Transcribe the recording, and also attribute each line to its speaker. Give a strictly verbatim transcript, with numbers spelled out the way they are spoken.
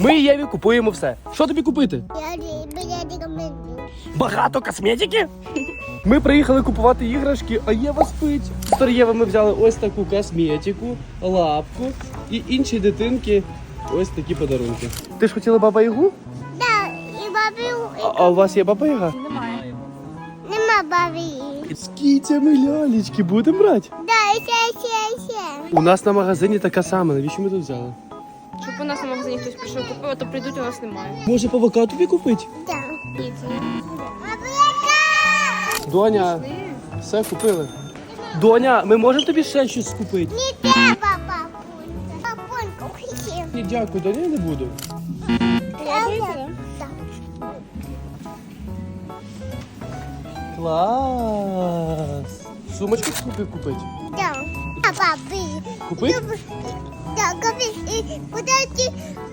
Speaker 1: Ми Єві купуємо все. Що тобі купити?
Speaker 2: Я не рекомендую.
Speaker 1: Багато косметики? Ми приїхали купувати іграшки, а Єва спить. З Єви ми взяли ось таку косметику, лапку і інші дитинки ось такі подарунки. Ти ж хотіла баба Ягу?
Speaker 2: Да, і бабі,
Speaker 1: А, а у вас є баба Яга?
Speaker 2: нема бабі.
Speaker 1: З кітями лялечки будемо брати?
Speaker 2: Да, ще, ще, ще.
Speaker 1: У нас на магазині така сама. Навіщо ми тут взяли?
Speaker 3: Щоб у нас на магазині хтось прийшов купив, а то прийдуть, у нас немає.
Speaker 1: Може, павука тобі купити?
Speaker 2: Да.
Speaker 3: Ні, це не.
Speaker 2: Бабуляка!
Speaker 1: Доня, все купили. Доня, ми можемо тобі ще щось купити?
Speaker 2: Не треба, папунька. Папунька, хотів.
Speaker 1: Ні, дякую, Доня, я не буду.
Speaker 2: Подобається, да?
Speaker 1: Клас! Сумочку купи купити?
Speaker 2: Да. А бабі.
Speaker 1: Купить?
Speaker 2: Люб- Да, купи. І куди ти